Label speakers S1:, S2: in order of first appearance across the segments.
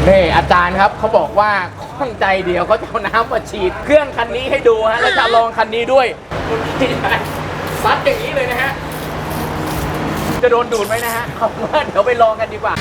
S1: นี่อาจารย์ครับเขาบอกว่าข้องใจเดียวเขาจะเอาน้ำมาฉีดเครื่องคันนี้ให้ดูฮะแล้วจะลองคันนี้ด้วยซัดอย่างนี้เลยนะฮะจะโดนดูดไหมนะฮะเอาว่าเดี๋ยวไปลองกันดีกว่า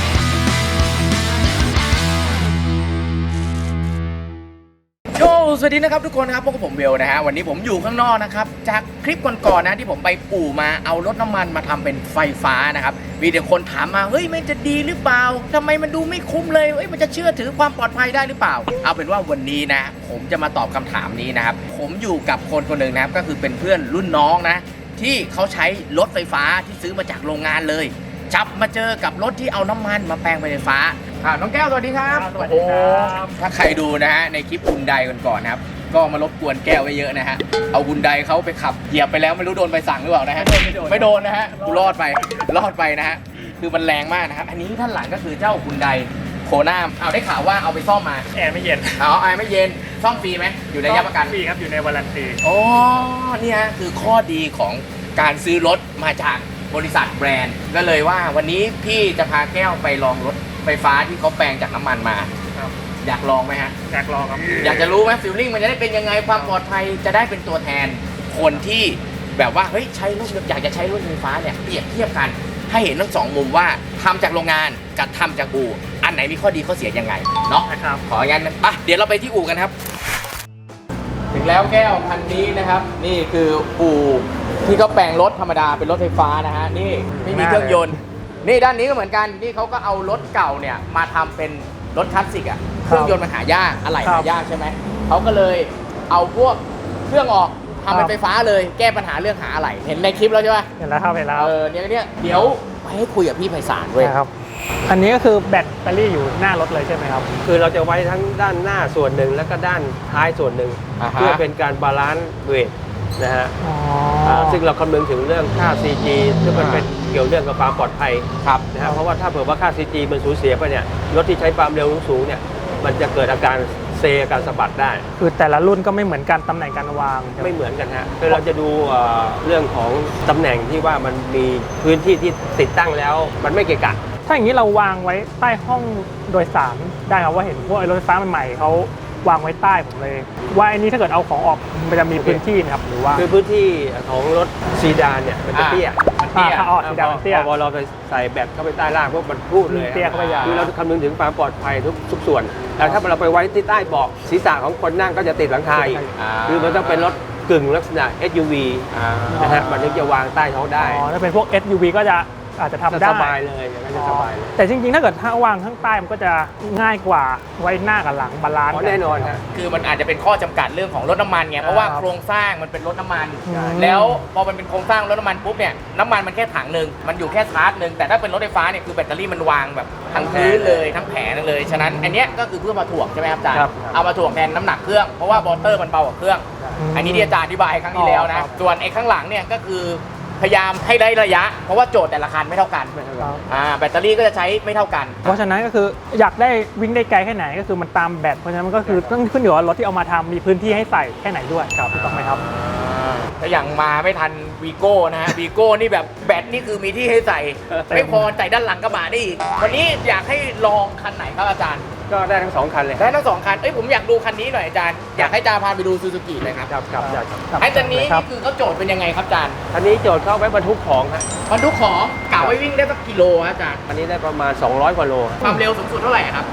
S1: โอ้สวัสดีนะครับทุกคนครับพวกผมเบลนะฮะวันนี้ผมอยู่ข้างนอกนะครับจากคลิปก่อนๆนะที่ผมไปอู่มาเอารถน้ำมันมาทำเป็นไฟฟ้านะครับมีแต่คนถามมาเฮ้ยมันจะดีหรือเปล่าทำไมมันดูไม่คุ้มเลยเฮ้ยมันจะเชื่อถือความปลอดภัยได้หรือเปล่าเอาเป็นว่าวันนี้นะผมจะมาตอบคำถามนี้นะครับผมอยู่กับคนคนหนึ่งนะครับก็คือเป็นเพื่อนรุ่นน้องนะที่เขาใช้รถไฟฟ้าที่ซื้อมาจากโรงงานเลยจับมาเจอกับรถที่เอาน้ำมันมาแปลงเป็นไฟฟ้าน้องแก้วสวัสดีครับ
S2: สวัสดีครับ
S1: ถ้าใครดูนะฮะในคลิปฮุนไดก่อนนะครับก็มารบกวนแก้วไว้เยอะนะฮะเอาฮุนไดเขาไปขับเหยียบไปแล้วไม่รู้โดนใบสั่งหรือเปล่านะฮะไม่โดนนะฮะกูรอดไปนะฮะคือมันแรงมากนะครับอันนี้ท่านหลังก็คือเจ้าฮุนไดโคน่าเอาได้ข่าวว่าเอาไปซ่อมมา
S2: แอร์ไม่เย็น
S1: แอร์ไม่เย็นซ่อมฟรีไหมอยู่ในระยะประกัน
S2: ฟรีครับอยู่ในวารันตี
S1: อ๋อนี่ฮะคือข้อดีของการซื้อรถมาจากบริษัทแบรนด์ก็เลยว่าวันนี้พี่จะพาแก้วไปลองรถไฟฟ้าที่เขาแปลงจากน้ำมันมา
S2: ครับ
S1: อยากลองไหมฮะ
S2: อยากลองครับ
S1: อยากจะรู้ไหมฟีลลิ่งมันจะได้เป็นยังไงความปลอดภัยจะได้เป็นตัวแทนคนที่แบบว่าเฮ้ยใช้รถอยากจะใช้รถไฟฟ้าเนี่ยเปรียบเทียบกันให้เห็นทั้งสองมุมว่าทำจากโรงงานกับทำจากอู่อันไหนมีข้อดีข้อเสียยังไงเนาะ
S2: นะครับ
S1: ของั้นไปเดี๋ยวเราไปที่อู่กันครับถึงแล้วแก้วคันนี้นะครับนี่คืออู่ที่เขาแปลงรถธรรมดาเป็นรถไฟฟ้านะฮะนี่ไม่มีเครื่องยนต์นี่ด้านนี้ก็เหมือนกันนี่เขาก็เอารถเก่าเนี่ยมาทำเป็นรถคลาสสิกอ่ะเครื่องยนต์มันหายากอะไหล่หายากใช่ไหมเขาก็เลยเอาพวกเครื่องออกทำเป็นไฟฟ้าเลยแก้ปัญหาเรื่องหาอะไหล่เห็นในคลิปแล้วใช่ไหม
S2: เห็นแล้วครับเห็นแล้ว
S1: เนี่ยเดี๋ยวไปให้คุยกับพี่ไพศาลด้วย
S2: นะครับอันนี้ก็คือแบตเตอรี่อยู่หน้ารถเลยใช่ไหมครับ
S3: คือเราจะไว้ทั้งด้านหน้าส่วนหนึ่งแล้วก็ด้านท้ายส่วนหนึ่ง
S1: อ่าฮะ
S3: เพื่อเป็นการบาลานซ์เวทนะฮะ
S2: อ๋อ
S3: ซึ่งเราคำนึงถึงเรื่องค่า CG ซึ่งมันเป็นเกี่ยวเรื่องกับความปลอดภัย
S1: ครับ
S3: นะฮะเพราะว่าถ้าเผื่อว่าค่า CG มันสูญเสียไปเนี่ยรถที่ใช้ความเร็วสูงๆเนี่ยมันจะเกิดอาการเซอาการสะบัดได้
S2: คือแต่ละรุ่นก็ไม่เหมือนกันตำแหน่งการวาง
S3: ไม่เหมือนกันฮะคือเราจะดูเรื่องของตำแหน่งที่ว่ามันมีพื้นที่ที่ติดตั้งแล้วมันไม่เกะกะ
S2: ถ้าอย่างนี้เราวางไว้ใต้ห้องโดยสารได้ครับว่าเห็นพวกไอ้รถไฟฟ้าใหม่ๆเขาวางไว้ใต้ผมเลย ว่าอันนี้ถ้าเกิดเอาของออกมันจะมีพื้นที่ไหมครับหรือว่า
S3: คือพื้นที่ของรถซีดานเนี่ยมันจะเตี้ย
S1: มันเตี้ย
S2: ถ้าออกสีดำมันเตี้ย
S3: พอเราไปใส่แบตเข้าไปใต้ล่างพวกมันพูดเลย
S2: เตี้ยเข้าไปยาว
S3: คือเราคำนึงถึงความปลอดภัยทุกส่วนแต่ถ้าเราไปไว้ที่ใต้เบาะศีรษะของคนนั่งก็จะติดหลังคาอีกคือมันต้องเป็นรถกึ่งลักษณะ SUV นะฮะมันถึงจะวางใต้ท้องได้
S2: อ๋อถ้าเป็นพวก SUV ก็จะอาจจะทำได้
S3: สบายเลยอย่างนั้นจะสบายเลย
S2: แต่จริงๆ ถ้าเกิดถ้าวางข้างใต้มันก็จะง่ายกว่าไว้หน้ากับหลังบาลานซ์
S3: อ๋อแน่นอนฮะ
S1: คือมันอาจจะเป็นข้อจำกัดเรื่องของรถน้ำมันไงเพราะว่าโครงสร้างมันเป็นรถน้ำมัน แล้วพอมันเป็นโครงสร้างรถน้ำมันปุ๊บเนี่ยน้ำมันมันแค่ถังหนึ่งมันอยู่แค่ชาร์จหนึ่งแต่ถ้าเป็นรถไฟฟ้าเนี่ยคือแบตเตอรี่มันวางแบบทั้งพื้นเลยทั้งแผงเลยฉะนั้นอันเนี้ยก็คือเพื่อมาถ่วงใช่ไหมครับอาจารย์
S3: ครับ
S1: เอามาถ่วงแทนน้ำหนักเครื่องเพราะว่าบอเตอร์มันเบากว่าเครื่อง อันนี้ที่อาจารย์อธิบายครั้งที่แล้วนะส่วนไอ้ข้างหลังเนี่ยก็คือพยายามให้ได้ระยะ เพราะว่าโจทย์แต่ละคันไม่เท่ากันแบตเตอรี่ก็จะใช้ไม่เท่ากัน
S2: เพราะฉะนั้นก็คืออยากได้วิ่งได้ไกลแค่ไหนก็คือมันตามแบตเพราะฉะนั้นมันก็คือต้องขึ้นอยู่ว่ารถที่เอามาทำมีพื้นที่ให้ใส่แค่ไหนด้วยครับถูกต้องไหมครับ
S1: ถ้าอย่างมาไม่ทันวีโก้นะฮะวีโก้นี่แบบแบตนี่คือมีที่ให้ใส่ ไม่พอใส่ด้านหลังกระบะได้อีกวันนี้อยากให้ลองคันไหนครับอาจารย์
S3: ก็ได้ทั้งสองคันเลย
S1: ได้ทั้งสองคันผมอยากดูคันนี้หน่อยอาจารย์อยากให้อาจารย์พาไปดูซูซูกิเลยครับ
S3: ครับอยากครับ
S1: ไอ้คันนี้นี่คือเขาโจทย์เป็นยังไงครับอาจารย์
S3: คันนี้โจทย์เข้าไว้บรรทุกของฮะ
S1: บรรทุกของกะไว้วิ่งได้สักกิโลฮะอาจารย์
S3: อันนี้ได้ประมาณ200กว่าโล
S1: ความเร็วสูงสุดเท่าไหร่ครับ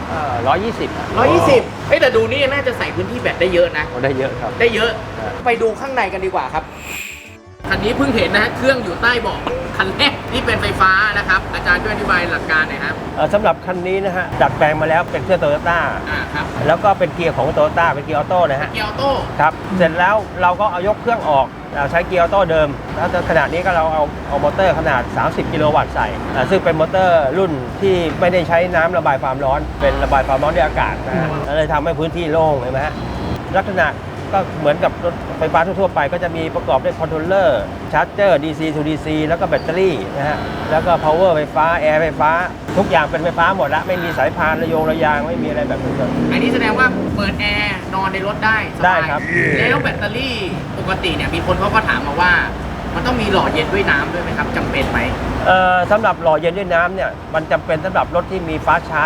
S3: 120
S1: 120แต่ดูนี่น่าจะใส่พื้นที่แบตได้เยอะนะ
S3: ได้เยอะครับ
S1: ได้เยอะ
S3: ครับ
S1: ไปดูข้างในกันดีกว่าครับ คันนี้เพิ่งเห็นนะฮะ เครื่องอยู่ใต้เบาะคันแรกที่เป็นไฟฟ้านะครับ อาจารย์ช่วยอธิบายหลักการหน่อยครับ
S3: สำหรับคันนี้นะฮะดัดแปลงมาแล้วเป็นเครื่องโตโยต้า
S1: ครับ
S3: แล้วก็เป็นเกียร์ของโตโยต้าเป็นเกียร์ออโต้นะฮะ
S1: เกียร์ออโต้
S3: ครับเสร็จแล้วเราก็เอายกเครื่องออกใช้เกียร์ออโต้เดิมแล้วขณะนี้ก็เราเอามอเตอร์ขนาด 30 กิโลวัตต์ใส่ซึ่งเป็นมอเตอร์รุ่นที่ไม่ได้ใช้น้ำระบายความร้อน เป็นระบายความร้อนด้วยอากาศนะฮะแล้วเลยทำให้พื้นที่โล่งเห็นไหมฮะลักษณะก็เหมือนกับรถไฟฟ้าทั่วๆไปก็จะมีประกอบด้วยคอนโทรลเลอร์ชาร์จเจอร์ DC to DC แล้วก็แบตเตอรี่นะฮะแล้วก็ power ไฟฟ้าแอร์ไฟฟ้าทุกอย่างเป็นไฟฟ้าหมดละไม่มีสายพานระยางไม่มีอะไรแบบนี้เลย
S1: อันนี้แสดงว่าเปิดแอร์นอนในรถได้สบาย
S3: ได้ครับ
S1: แล้วแบตเตอรี่ปกติเนี่ยมีคนเขาก็ถามมาว่า มันต้องมีหล่อเย็นด้วยน้ำด้วยไหมครับจำเป็นไหม
S3: สำหรับหล่อเย็นด้วยน้ำเนี่ยมันจำเป็นสำหรับรถที่มีฟาสต์ชาร์จ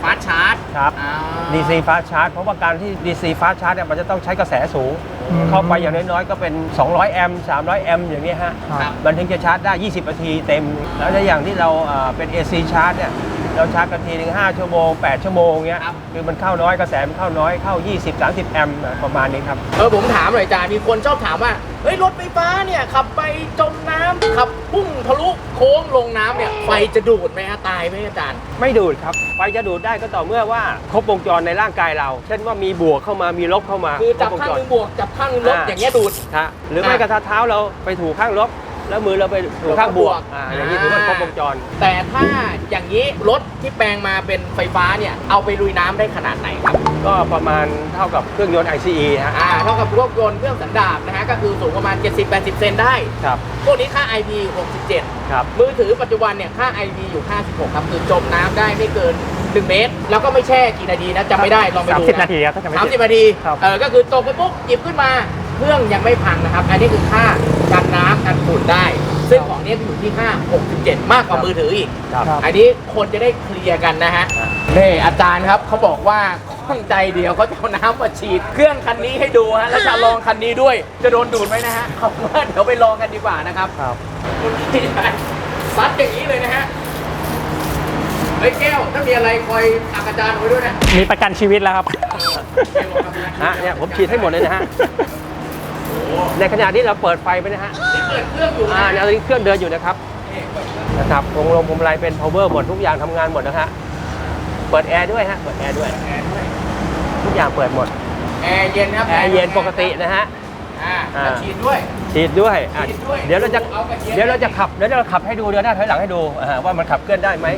S1: ฟาสชาร์จ
S3: ครับ DC Fast Charge เพราะว่าการที่ DC Fast Charge เนี่ยมันจะต้องใช้กระแสสูง เข้าไปอย่างน้อยๆก็เป็น200แอมป์300แอมป์อย่างนี้ฮะ
S1: ครับ
S3: มันถึงจะชาร์จได้ 20 นาทีเต็ม แล้วในอย่างที่เราเป็น AC Charge เนี่ยเราชาร์จกันทีนึง5 ชั่วโมง 8 ชั่วโมงเงี้ยคือมันเข้าน้อยกระแสมันเข้าน้อยเข้า 20-30 แอมป์ประมาณนี้ครับ
S1: ผมถามหน่อยอาจารย์มีคนชอบถามว่าเฮ้ยรถไฟฟ้าเนี่ยขับไปจมน้ำขับพุ่งทะลุโค้งลงน้ำเนี่ยไฟจะดูดไหมฮะตายไหมอาจารย์
S3: ไม่ดูดครับไฟจะดูดได้ก็ต่อเมื่อว่าครบวงจรในร่างกายเรา เช่นว่ามีบวกเข้ามามีลบเข้ามา
S1: คือจับ
S3: รว
S1: ข้าง
S3: จ
S1: ห
S3: ร
S1: นึงบวกจับข้างหนึงลบอย่างเงี้ยดูด
S3: ฮะหรือไม่กระทะเท้าเราไปถูกข้างลบแล้วมือเราไปถูกข้างบวกอย่างนี้ถือว่าครบวงจร
S1: แต่ถ้าอย่างนี้รถที่แปลงมาเป็นไฟฟ้าเนี่ยเอาไปลุยน้ำได้ขนาดไหนครับ
S3: ก็ประมาณเท่ากับเครื่องยนต์ ICE ฮะ
S1: เท่ากับพวกยนต์เครื่องสันดาปนะฮะก็คือสูงประมาณ 70-80 เซนได้
S3: ครับ
S1: พวกนี้ค่า IP 67
S3: ครับ
S1: มือถือปัจจุบันเนี่ยค่า IP อยู่56ครับคือจมน้ำได้ไม่เกิน1 เมตร แล้วก็ไม่แช่กี่นาทีนะจำไม่ได้ลองไปดู
S2: 30 นาทีครับถ้าจำไม่ผิด
S1: 30 นาที
S2: ครับ
S1: ก็คือตกไปปุ๊บหยิบขึ้นมาเครื่องยังไม่พังนะครับ อันนี้คือค่ากันน้ำกันฝุ่นได้ ซึ่งของนี้อยู่ที่ค่า67 มากกว่ามือถืออีก
S3: ครับ
S1: อันนี้คนจะได้เคลียร์กันนะฮะนี่อาจารย์ครับเขาบอกว่าข้องใจเดียวเขาจะเอาน้ำมาฉีดเครื่องคันนี้ให้ดูฮะแล้วจะลองคันนี้ด้วย จะโดนดูดไหมนะฮะเอาว่าเดี๋ยวไปลองกันดีกว่านะครับ
S2: ครับ
S1: คุณพี่ซัดอย่างนี้เลยนะฮะเฮ้ยแก้วถ้ามีอะไรคอยตักอาจารย์ไว้ด้วยนะ
S2: มีประกันชีวิตแล้วครับ
S3: ฮะเนี่ยผมฉีดให้หมดเลยนะฮะในขณะที่เราเปิดไฟไปนะฮะ
S1: นี่เปิดเครื่องอยู่นะ
S3: ตอนนี้เครื่องเดินอยู่นะครับ
S1: นี่เปิด
S3: นะครับวงลมพรมไลเป็น power หมดทุกอย่างทำงานหมดนะฮะเปิดแอร์ด้วยฮะเปิดแอร์ด้วย
S1: แอร์ด้วย
S3: ทุกอย่างเปิดหมด
S1: แอร์เย็นครับ
S3: แอร์เย็นปกตินะฮะ
S1: แล้วฉีดด้วย
S3: ฉีดด้วย
S1: ฉีดด้วย
S3: เดี๋ยวเราจะ
S1: เอากระเทียม
S3: เดี๋ยวเราจะขับให้ดูเดินหน้าถอยหลังให้ดูว่ามันขับเคลื่อนได้ไหม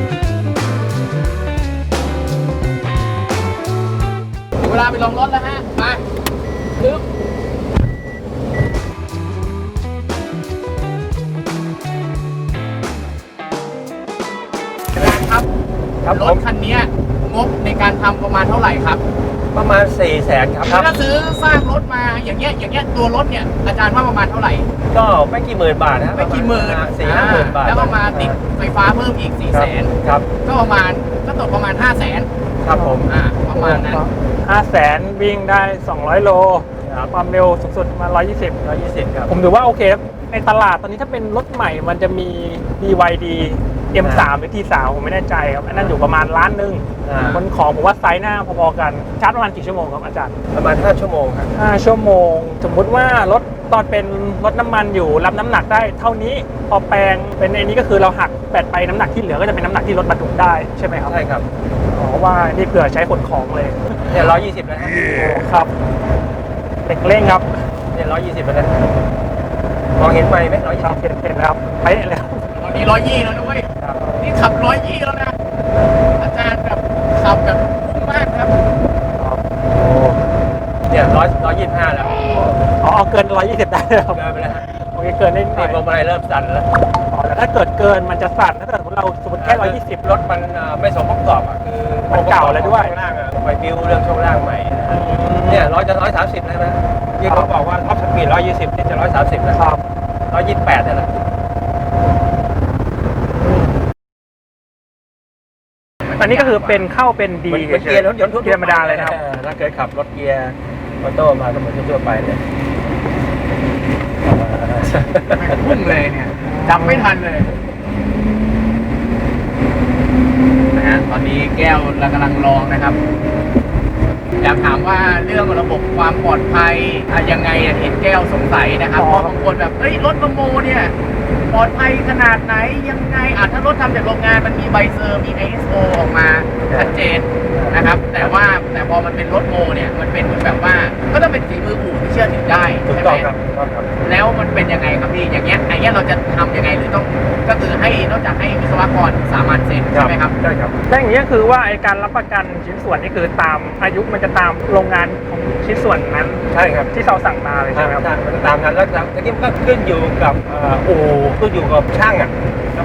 S1: เวลาไปลองรถแล้วฮะไปปึ๊บครับ
S3: ครับ
S1: ร
S3: ผ
S1: ถ
S3: ม
S1: คันนี้งบในการทำประมาณเท่าไหร่ครับ
S3: ประมาณ 400,000ครับ
S1: ถ้าซื้อสร้างรถมาอย่างเงี้ยตัวรถเนี่ยอาจารย์ว่าประมาณเท่าไหร่
S3: ก็ไม่กี่หมื่นบาทนะ
S1: ไม่กี่หมื่น
S3: 4-5 หมื่นบาท
S1: แล้วก็มาติดไฟฟ้าเพิ่มอีก 400,000
S3: ครับ
S1: ก็ประมาณก็ตกประมาณ 500,000
S3: ครับผม
S1: ประมาณนั้น
S2: 500,000 วิ่งได้ 200 โล
S3: ครับ
S2: ความเร็วสูงสุดมา 120
S3: 120ครับ
S2: ผมถือว่าโอเคครับในตลาดตอนนี้ถ้าเป็นรถใหม่มันจะมี BYD M3 หรือ T3 ผมไม่แน่ใจครับ อันนั้นอยู่ประมาณล้านหนึ่ง คนของผมว่าไซส์หน้าพอๆกัน ชาร์จประมาณกี่ชั่วโมงครับอาจารย์
S3: ประมาณ5 ชั่วโมงครับ
S2: 5 ชั่วโมง สมมุติว่ารถตอนเป็นรถน้ำมันอยู่รับน้ำหนักได้เท่านี้ พอแปลงเป็นไอ้นี้ก็คือเราหักแปดไปน้ำหนักที่เหลือก็จะเป็นน้ำหนักที่รถบรรทุกได้ใช่ไหมครับ
S3: ใช่ครับ
S2: อ๋อว่านี่เผื่อใช้ขนของเลย
S3: เนี่ย120แล้วครับ
S2: ครับเด็กเร่งครับ
S3: เนี่ย120แล้วนะมองเห็นไหมไหม
S2: ครับเห็นแล้วไปะแล้ว
S1: ตอนนี้120แล้วด้วย
S3: ครับ
S1: นี่ขับ120แล้วนะ อาจารย์แบบขับแบบพุ่งมากครับ
S3: เนี่ย125แล้ว
S2: อ๋อเอาเกิน 120 ได้เลยครับ
S3: เกินไปแล้วฮะ
S2: โอเคเกินได้หน่
S3: นี่
S2: อย
S3: พวงมาลัยเริ่มสั่นแล้ว
S2: อ๋อแต่ถ้าเกิดเกินมันจะสั่นถ้าเกิดเราสมมติแค่ 120
S3: รถมันไม่สมประกอบอ่ะคือ
S2: มันเก่าแล้วด้วย
S3: ช่วงล่างอ่ะไปบิวเรื่องช่วงล่างใหม่นะฮะเนี่ย130แล้วนะที่เขาบอกว่าท็อปสปีด120นี่จะ130แล้ว
S2: ครับ
S3: 128นี่แหละ
S2: อันนี้ก็คือเป็นเข้าเป็นดี
S3: เหมือนเกียร์รถยนต์ทั่ว
S2: เกียร์ธรรมดาเลยนะครับ
S3: ถ้าเคยขับรถเกียร์ออโต้มาก็เหมือนทั่วๆไปเนี่ย
S1: พุ่งเลยเนี่ยจับไม่ทันเลยนะฮะตอนนี้แก้วเรากำลังลองนะครับ อยากถามว่าเรื่องระบบความปลอดภัยยังไงเห็นแก้วสงสัยนะครับเพราะบางคนแบบเฮ้ยรถประโมเนี่ยปลอดภัยขนาดไหนยังไงถ้ารถทำจากโรงงานมันมีใบเซอร์มี ISO ออกมาชัดเจนนะครับ แต่พอมันเป็นรถโมเนี่ยมันเป็นเหมือนแบบว่าก็ต้องเป็นฝีมืออู่ที่เชื่อถือได้
S3: ถูก
S1: ใช่
S3: ต้อง
S1: ไหม
S3: ครับถูกต้องครับ
S1: แล้วมันเป็นยังไงครับพี่อย่างเงี้ยเราจะทำยังไงหรือต้องก็คือให้นอกจากให้วิศวกรสามัญเซ็นใช่ไหมครับ
S3: ใช่ครับ
S2: และอย่างนี้ก็คือว่าไอ้การรับประกันชิ้นส่วนนี่คือตามอายุมันจะตามโรงงานของชิ้นส่วนนั้น
S3: ใช่ครับ
S2: ที่เราสั่งมาเลยใช่ไหมครับ
S3: มันตามนั้นแล้วทีนี้มันก็ขึ้นอยู่กับอู่ขึ้นอยู่กับช่างอ่ะแล้ว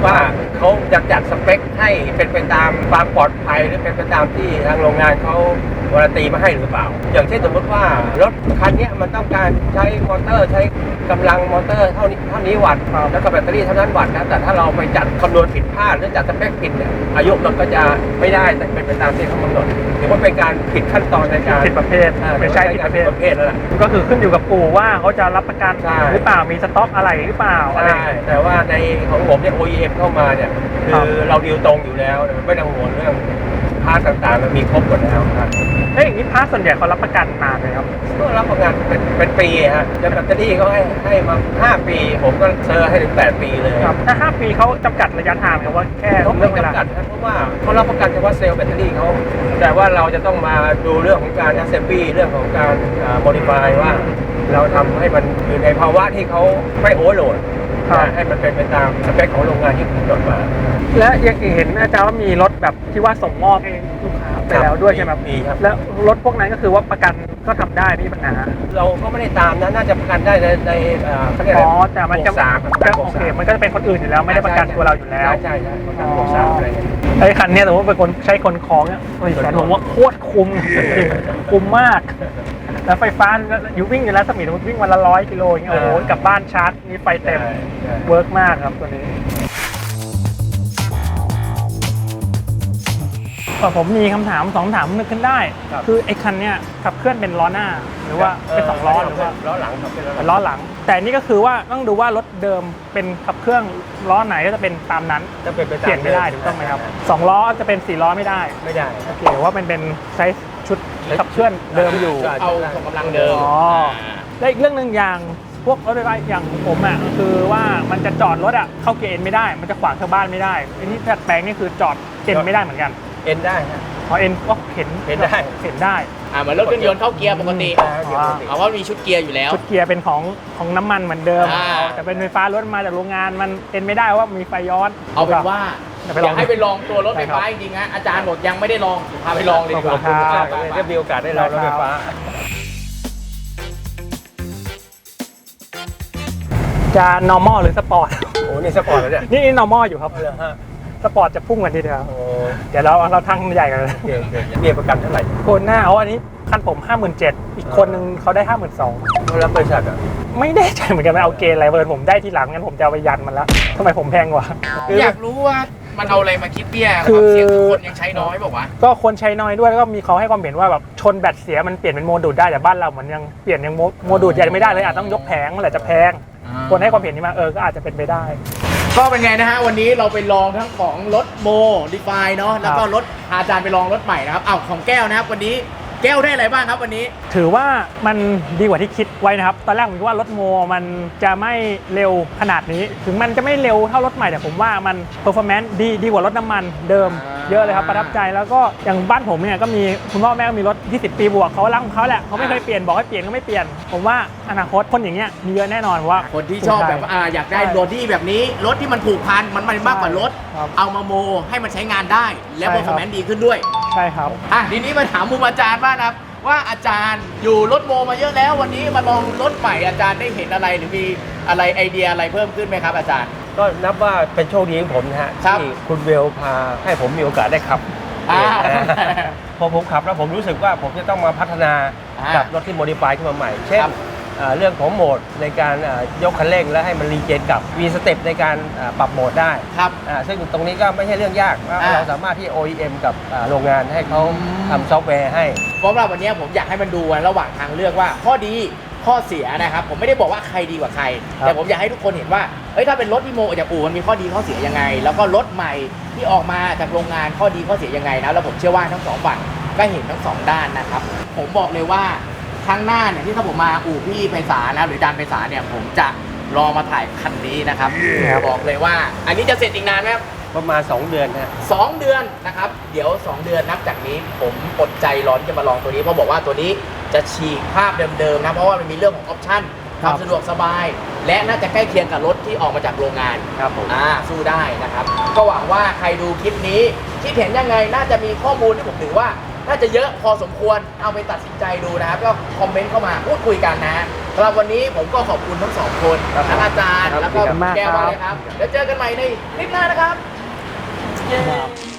S3: ว่าเขาจะจัดสเปคให้เป็นไปตามความปลอดภัยหรือเป็นไปตามที่ทางโรงงานเขาการันตีมาให้หรือเปล่าอย่างเช่นสมมติว่ารถคันนี้มันต้องการใช้มอเตอร์ใช้กำลังมอเตอร์เท่านี้วัตต์แล้วก็แบตเตอรี่เท่านั้นวัตต์นะแต่ถ้าเราไปจัดคำนวณผิดพลาดหรือจัดสเปคผิดเนี่ยอายุรถก็จะไม่ได้แต่เป็นไปตามที่เขากำหนดถือว่าเป็นการผิดขั้นตอนในการ
S2: ผิดประเภทไม่ใช่ผิดประเภท
S3: แล้วล่ะ
S2: ก็คือขึ้นอยู่กับปู่ว่าเขาจะรับประกัน
S3: ใช่
S2: หรือเปล่ามีสต็อกอะไรหรือเปล่าอะไร
S3: ใช่แต่ว่าในของผมเนี่ย OEM เข้ามาเนี่ยคือเราดีลตรงอยู่แล้วไม่ต้องห่วงเรื่องพาร์ทต่างๆมันมีครบหมดแล้วครับ
S2: เอ้ยอย่างนี้พาร์ทส่วนใหญ่เขารับประกันนานเลยครับ
S3: ก็รับประกันเป็นปีฮะจะแบตเตอรี่เขาให้มา5 ปีผมก็เซอร์ให้ถึง8 ปีเลย
S2: ครับถ้า5 ปีเขาจำกัดระยะทางครับว่าแค่
S3: เขา
S2: เรื่
S3: ไม่
S2: องเวลา
S3: จำกัดนะเพราะว่าเขารับประกันเฉพาะเซลล์แบตเตอรี่เขาแต่ว่าเราจะต้องมาดูเรื่องของการ assembly เรื่องของการmodify ว่าเราทำให้มันอยู่ในภาวะที่เขาไม่โอเวอร์โหลดให้มันเป็นไปตามสเปคของโรงงานที่กำหนดมา
S2: และยังเห็นอาจารย์ว่ามีรถแบบที่ว่าส่งมอบให้ลูกค้าไปแล้วด้วยใช่ไหมครับ
S3: มีครับ
S2: แล้วรถพวกนั้นก็คือว่าประกันก็ทำได้ไม่มีปัญหา
S3: เราก็ไม่ได้ตามนะน่าจะประกันได้ในเขาเรียกอะไร
S2: อ๋อแต่มันจะ
S3: บวกสาม
S2: ก็โอเคมันก็จะเป็นคนอื่นอยู่แล้วไม่ได้ประกันตัวเราอยู่แล้ว
S3: ใช่ประกันบวก 3อะไรเงี้ย
S2: ไอ้คันเนี้ยแต่ว่าเป็นคนใช้คนคล้องเนี่ยโอ้ยแต่ผมว่าโคตรคุ้มจริงๆคุ้มมาก แล้วไฟฟ้าอยู่วิ่งอยู่แล้วสมิธวิ่งวันละ100 กิโลอย่างเงี้ยโอ้โหกลับบ้านชาร์จมีไฟเต็มเวิร์กมากครับตัวนี้ผมมีคำถาม2 คำถามนึกขึ้นได้ คือไอ้คันเนี้ยขับเคลื่อนเป็นล้อหน้าหรือว่าเป็น2 ล้อหรือว่า
S3: ล้อหลังครับเป็น
S2: เป็นล้อหลัง แต่นี่ก็คือว่าต้องดูว่ารถเดิมเป็นขับเครื่องล้อไหนก็จะเป็นตามนั้น
S3: จะเป็นไปตาม
S2: เปลี่ยนไม่ได้ถูกต้องไหมครับ2 ล้อจะเป็น4 ล้อไม่ได้
S3: ไม่ได้
S2: โอเคว่ามันเป็นไซส์ชุดขับเคลื่อนเดิมอยู่
S1: เอาส่งกำลังเดิม
S2: อ๋อและอีกเรื่องหนึ่งอย่างพวกรถไฟฟ้าอย่างผมอ่ะคือว่ามันจะจอดรถอ่ะเข้าเกียร์เอ็นไม่ได้มันจะขวางชาวบ้านไม่ได้ไอ้ที่ดัดแปลงนี่คือจอดเอ็นไม่ได้เหมือนกัน
S3: เอ็นได้ฮะ
S2: พอเอ็นก็เห็น
S3: เห็นได้
S2: เห็นได้
S1: เหมือนรถเครื่องยนต์เข้าเกียร์ปกติ เอาว่ามีชุดเกียร์อยู่แล้ว
S2: ชุดเกียร์เป็นของน้ำมันเหมือนเดิม
S1: อ่า
S2: แต่เป็นไฟฟ้ารถมาจากโรงงานมันเอ็นไม่ได้ว่ามีไฟย้อน
S1: เอาเป็นว่า
S2: เดี๋ยวไป
S1: อ
S2: ลอง
S1: ยากให้ไปลองตัวรถไฟฟ้าจริงๆนะอาจารย์บอกยังไม่ได้ลองพาไปลองเลยดีกว่า
S2: ขอบคุณครับ
S3: ได้มีโอกาสได้ลองรถไฟฟ้า
S2: จะ normal หรือสปอร์ต
S3: โอ้นี่สปอร์ตแล้วเนี่ย
S2: นี่ normal อยู่ครับ
S3: เอาเลยฮะ
S2: สปอร์ตจะพุ่งกว่านี้เดียว
S3: โอ้
S2: เดี๋ยวเราทั้งใหญ่กันเลย
S3: โอเคเบี้ยประกันเท่าไหร่
S2: คนหน้าอันนี้คันผม 57,000อีกคนนึงเขาได้ 52,000
S3: เขารับบริษัทอ่ะ
S2: ไม่แน่ใจเหมือนกันมันเอาเกณฑ์อะไรเบิร์นผมได้ทีหลังงั้นผมจะเอาไปยันมันแล้วทำไมผมแพงกว่า
S1: อยากรู้ว่ามันเอาอะไรมาคิดเบี้ย
S2: คือ
S1: เสียงคนยังใช้น้อยบอกว่า
S2: ก็คนใช้น้อยด้วยแล้วก็มีเขาให้ความเห็นว่าแบบชนแบตเสียมันเปลี่ยนเป็นโมดูดได้แต่บ้านเราเหมือนยังเปลี่ยนยังโมดูดยังไม่ได้เลยอาจต้องยกแผงมันแหละจะแพงคนให้ความเห็นนี้มาก็อาจจะเป็นไปได้
S1: ก็เป็นไงนะฮะวันนี้เราไปลองทั้งของรถโมดิฟายเนาะแล้วก็รถอาจารย์ไปลองรถใหม่นะครับเอาของแก้วนะครับวันนี้แก้วได้อะไรบ้างครับวันนี้
S2: ถือว่ามันดีกว่าที่คิดไว้นะครับตอนแรกผมคิดว่ารถโมมันจะไม่เร็วขนาดนี้ ถึงมันจะไม่เร็วเท่ารถใหม่แต่ผมว่ามันเพอร์ฟอร์แมนซ์ดีกว่ารถน้ำมันเดิมเยอะเลยครับประทับใจแล้วก็อย่างบ้านผมเนี่ยก็มีคุณพ่อแม่ก็มีรถ20 ปีบวกเขารักของเขาแหละเขาไม่เคยเปลี่ยนบอกให้เปลี่ยนก็ไม่เปลี่ยนผมว่าอนาคตคนอย่างเงี้ยมีเยอะแน่นอนว่า
S1: คนที่ชอบแบบอยากได้รถที่แบบนี้รถที่มันผูกพันมันมากกว่ารถ
S2: ครับ
S1: เอามาโมให้มันใช้งานได้และ
S2: ใช่
S1: เปอร์ฟอร์แมนซ์ดีขึ้นด้วย
S2: ใช่ครับ
S1: ทีนี้มาถามมุมอาจารย์บ้างนะครับว่าอาจารย์อยู่รถโมมาเยอะแล้ววันนี้มาลองรถใหม่อาจารย์ได้เห็นอะไรหรือมีอะไรไอเดียอะไรเพิ่มขึ้นไหมครับอาจารย์
S3: ก็นับว่าเป็นโชคดีของผมนะฮะ
S1: ครับ
S3: ที่คุณเวลพาให้ผมมีโอกาสได้ขับ พอผมขับแล้วผมรู้สึกว่าผมจะต้องมาพัฒนากับรถที่โมดิฟายขึ้นมาใหม่ เช่น
S1: ครับ
S3: เรื่องของโหมดในการยกคันเร่งและให้มันรีเจนกลับมีสเต็ปในการปรับโหมดได้
S1: ครับ
S3: ซึ่งตรงนี้ก็ไม่ใช่เรื่องยากว่าเราสามารถที่ OEM กับโรงงานให้เขาทำซอฟต์แวร์ให้
S1: เพราะว่าวันนี้ผมอยากให้มันดูระหว่างทางเลือกว่าข้อดีข้อเสียนะครับผมไม่ได้บอกว่าใครดีกว่าใคร
S3: ครับ
S1: แต่ผมอยากให้ทุกคนเห็นว่าถ้าเป็นรถที่โมออกจากอู่มันมีข้อดีข้อเสียยังไง แล้วก็รถใหม่ที่ออกมาจากโรงงานข้อดีข้อเสียยังไงนะแล้วผมเชื่อว่าทั้งสองฝั่งก็เห็นทั้งสองด้านนะครับผมบอกเลยว่าครั้งหน้าเนี่ยที่ถ้าผมมาอู่พี่ไพศาลนะหรืออาจารย์ไพศาลเนี่ยผมจะรอมาถ่ายคันนี้นะครับบอกเลยว่า อันนี้จะเสร็จอีกนานไหมครับ
S3: ประมาณ 2 เดือนฮะ
S1: 2 เดือนนะครับเดี๋ยว 2 เดือนนับจากนี้ผมอดใจร้อนจะมาลองตัวนี้เพราะบอกว่าตัวนี้จะฉีกภาพเดิมๆนะเพราะว่ามันมีเรื่องของออปชั่นความสะดวกสบาย และน่าจะใกล้เคียงกับรถที่ออกมาจากโรงงาน
S3: ครับผม
S1: สู้ได้นะครับก็หวังว่าใครดูคลิปนี้คิดเห็นยังไงน่าจะมีข้อมูลที่ผมถือว่าน่าจะเยอะพอสมควรเอาไปตัดสินใจดูนะครับก็คอมเมนต์เข้ามาพูดคุยกันนะสำหรับวันนี้ผมก็ขอบคุณทั้งสองคนทั้งอาจารย์แล้วก็แก้วมาเลยครับแล้วเจอกันใหม่ในคลิปหน้านะครับ
S2: เย้